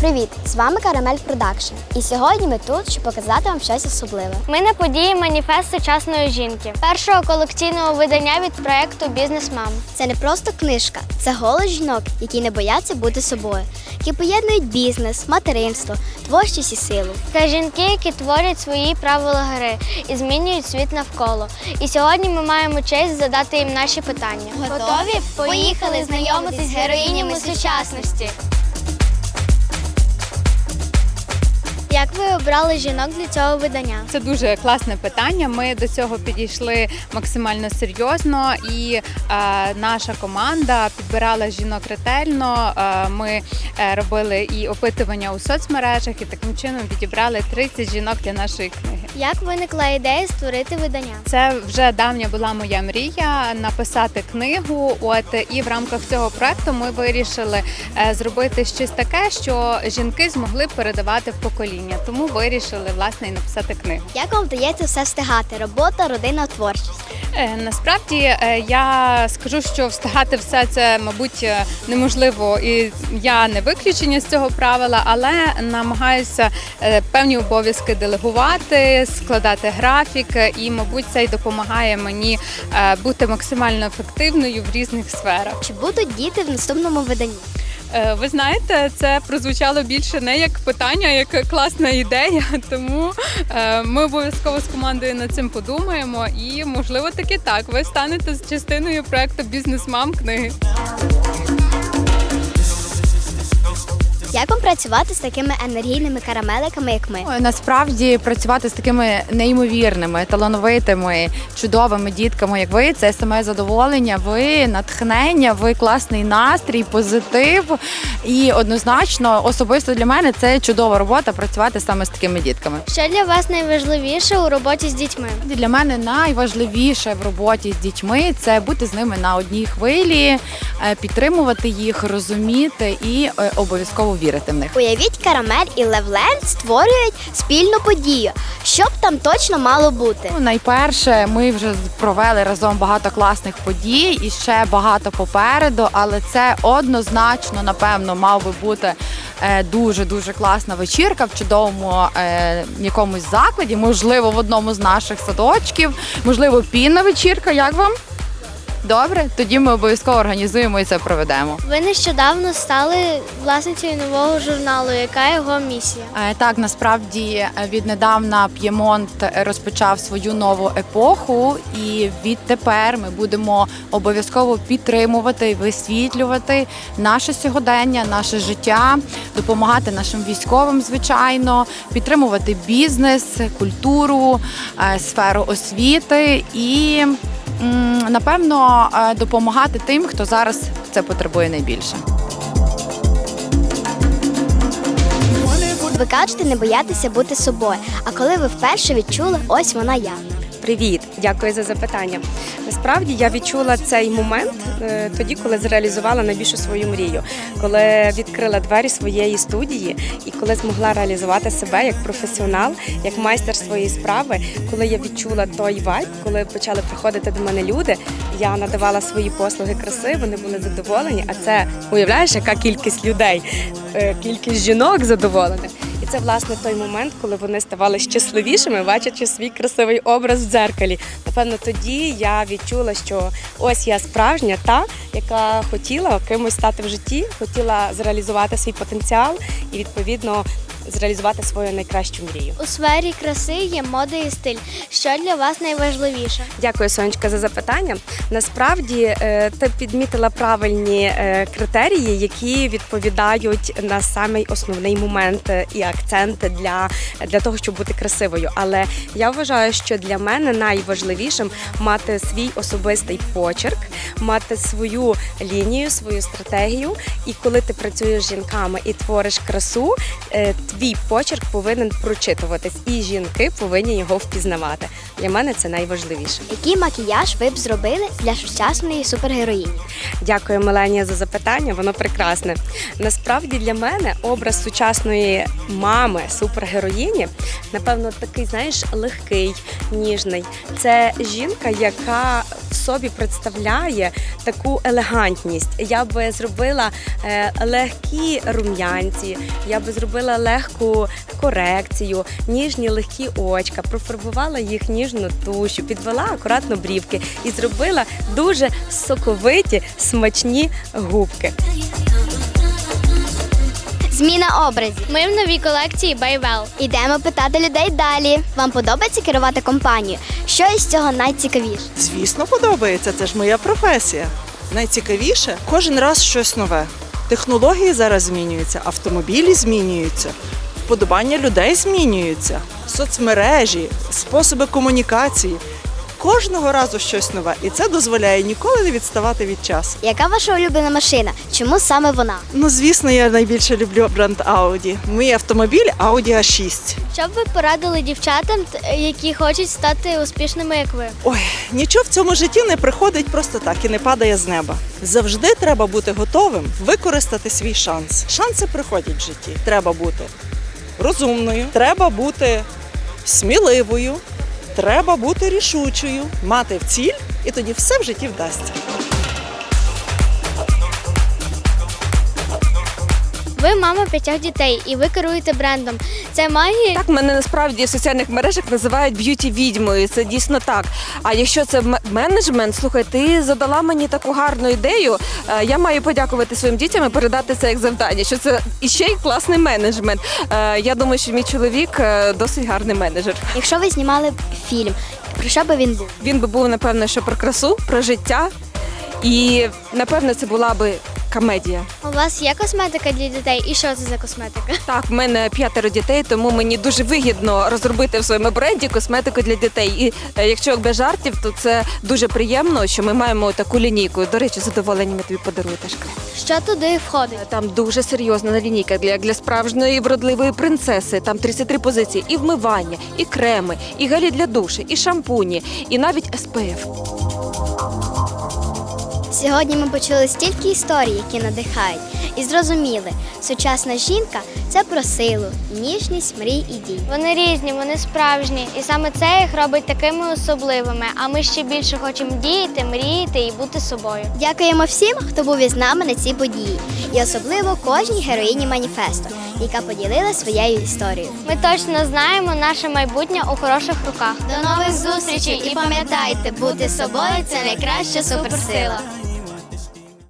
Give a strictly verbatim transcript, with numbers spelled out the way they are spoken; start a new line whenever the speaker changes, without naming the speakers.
Привіт! З вами Карамель Продакшн. І сьогодні ми тут, щоб показати вам щось особливе.
Ми на події «Маніфест сучасної жінки» першого колекційного видання від проєкту «Бізнес-мам».
Це не просто книжка, це голос жінок, які не бояться бути собою, які поєднують бізнес, материнство, творчість і силу.
Це жінки, які творять свої правила гри і змінюють світ навколо. І сьогодні ми маємо честь задати їм наші питання.
Готові?
Поїхали знайомитись з героїнями сучасності. Як ви обрали жінок для цього видання?
Це дуже класне питання. Ми до цього підійшли максимально серйозно, і е, наша команда підбирала жінок ретельно. Е, ми е, робили і опитування у соцмережах, і таким чином підібрали тридцять жінок для нашої книги.
Як виникла ідея створити видання?
Це вже давня була моя мрія написати книгу. От і в рамках цього проекту ми вирішили е, зробити щось таке, що жінки змогли передавати в покоління. Тому вирішили, власне, і написати книгу.
Як вам вдається все встигати? Робота, родина, творчість?
Е, насправді, е, я скажу, що встигати все це, мабуть, неможливо, і я не виключення з цього правила, але намагаюся е, певні обов'язки делегувати, складати графік, і, мабуть, це й допомагає мені е, бути максимально ефективною в різних сферах.
Чи будуть діти в наступному виданні?
Ви знаєте, це прозвучало більше не як питання, а як класна ідея, тому ми обов'язково з командою над цим подумаємо і, можливо, таки так, ви станете частиною проєкту «Бізнес-мам» книги.
Як вам працювати з такими енергійними карамеликами, як ми?
Насправді працювати з такими неймовірними, талановитими, чудовими дітками, як ви, це саме задоволення, ви натхнення, ви класний настрій, позитив. І однозначно, особисто для мене це чудова робота працювати саме з такими дітками.
Що для вас найважливіше у роботі з дітьми?
Для мене найважливіше в роботі з дітьми – це бути з ними на одній хвилі, підтримувати їх, розуміти і обов'язково вірити в них.
Уявіть, Карамель і Левленд створюють спільну подію. Що б там точно мало бути?
Ну, найперше, ми вже провели разом багато класних подій і ще багато попереду, але це однозначно, напевно, мав би бути дуже-дуже класна вечірка в чудовому е, якомусь закладі, можливо, в одному з наших садочків, можливо, пінна вечірка. Як вам? Добре, тоді ми обов'язково організуємо і це проведемо.
Ви нещодавно стали власницею нового журналу. Яка його місія?
Е, Так, насправді віднедавна П'ємонт розпочав свою нову епоху, і відтепер ми будемо обов'язково підтримувати, висвітлювати наше сьогодення, наше життя, допомагати нашим військовим, звичайно, підтримувати бізнес, культуру, е, сферу освіти і, м, напевно, е, допомагати тим, хто зараз це потребує найбільше.
Ви кажете, не боятися бути собою. А коли ви вперше відчули, ось вона я.
Привіт, дякую за запитання. Насправді я відчула цей момент е, тоді, коли зреалізувала найбільшу свою мрію, коли відкрила двері своєї студії і коли змогла реалізувати себе як професіонал, як майстер своєї справи, коли я відчула той вайб, коли почали приходити до мене люди, я надавала свої послуги краси, вони були задоволені, а це, уявляєш, яка кількість людей, е, кількість жінок задоволених. І це, власне, той момент, коли вони ставали щасливішими, бачачи свій красивий образ в дзеркалі. Напевно, тоді я відчула, що ось я справжня та, яка хотіла кимось стати в житті, хотіла зреалізувати свій потенціал і, відповідно, зреалізувати свою найкращу мрію.
У сфері краси є мода і стиль. Що для вас найважливіше?
Дякую, Сонечка, за запитання. Насправді, ти підмітила правильні критерії, які відповідають на самий основний момент і акцент для, для того, щоб бути красивою. Але я вважаю, що для мене найважливішим мати свій особистий почерк, мати свою лінію, свою стратегію. І коли ти працюєш з жінками і твориш красу, твій почерк повинен прочитуватись, і жінки повинні його впізнавати. Для мене це найважливіше.
Який макіяж ви б зробили для сучасної супергероїні?
Дякую, Меленія, за запитання. Воно прекрасне. Насправді для мене образ сучасної мами супергероїні, напевно, такий, знаєш, легкий, ніжний. Це жінка, яка в собі представляє таку елегантність. Я би зробила е, легкі рум'янці, я би зробила легку корекцію, ніжні легкі очка, профарбувала їх ніжну тушу, підвела акуратно брівки і зробила дуже соковиті, смачні губки.
Зміна образів.
Ми в новій колекції Байвел.
Ідемо питати людей далі. Вам подобається керувати компанією? Що із цього найцікавіше?
Звісно, подобається, це ж моя професія. Найцікавіше кожен раз щось нове. Технології зараз змінюються, автомобілі змінюються, вподобання людей змінюються, соцмережі, способи комунікації. Кожного разу щось нове, і це дозволяє ніколи не відставати від часу.
Яка ваша улюблена машина? Чому саме вона?
Ну, звісно, я найбільше люблю бренд Audi. Мій автомобіль Audi а шість.
Що б ви порадили дівчатам, т- які хочуть стати успішними, як ви?
Ой, нічого в цьому житті не приходить просто так і не падає з неба. Завжди треба бути готовим використати свій шанс. Шанси приходять в житті. Треба бути розумною, треба бути сміливою, треба бути рішучою, мати ціль, і тоді все в житті вдасться.
Ви мама п'ятьох дітей і ви керуєте брендом. Це має
Так, мене насправді в соціальних мережах називають б'юті-відьмою, це дійсно так. А якщо це м- менеджмент, слухай, ти задала мені таку гарну ідею, е, я маю подякувати своїм дітям і передати це як завдання, що це іще й класний менеджмент. Е, Я думаю, що мій чоловік е, досить гарний менеджер.
Якщо ви знімали б фільм, про що би він був?
Він би був, напевно, що про красу, про життя, і, напевно, це була би комедія.
у вас є косметика для дітей? І що це за косметика?
Так, в мене п'ятеро дітей, тому мені дуже вигідно розробити в своєму бренді косметику для дітей. І е, якщо без жартів, то це дуже приємно, що ми маємо таку лінійку. До речі, з задоволенням я тобі подарую теж.
Що туди входить?
Там дуже серйозна лінійка для, для справжньої вродливої принцеси. Там тридцять три позиції: і вмивання, і креми, і гелі для душу, і шампуні, і навіть ес пе еф.
Сьогодні ми почули стільки історій, які надихають, і зрозуміли, сучасна жінка – це про силу, ніжність, мрій і дій.
Вони різні, вони справжні, і саме це їх робить такими особливими. А ми ще більше хочемо діяти, мріяти і бути собою.
Дякуємо всім, хто був із нами на цій події, і особливо кожній героїні маніфесту, яка поділила своєю історією.
Ми точно знаємо наше майбутнє у хороших руках.
До нових зустрічей і пам'ятайте, бути собою – це найкраща суперсила.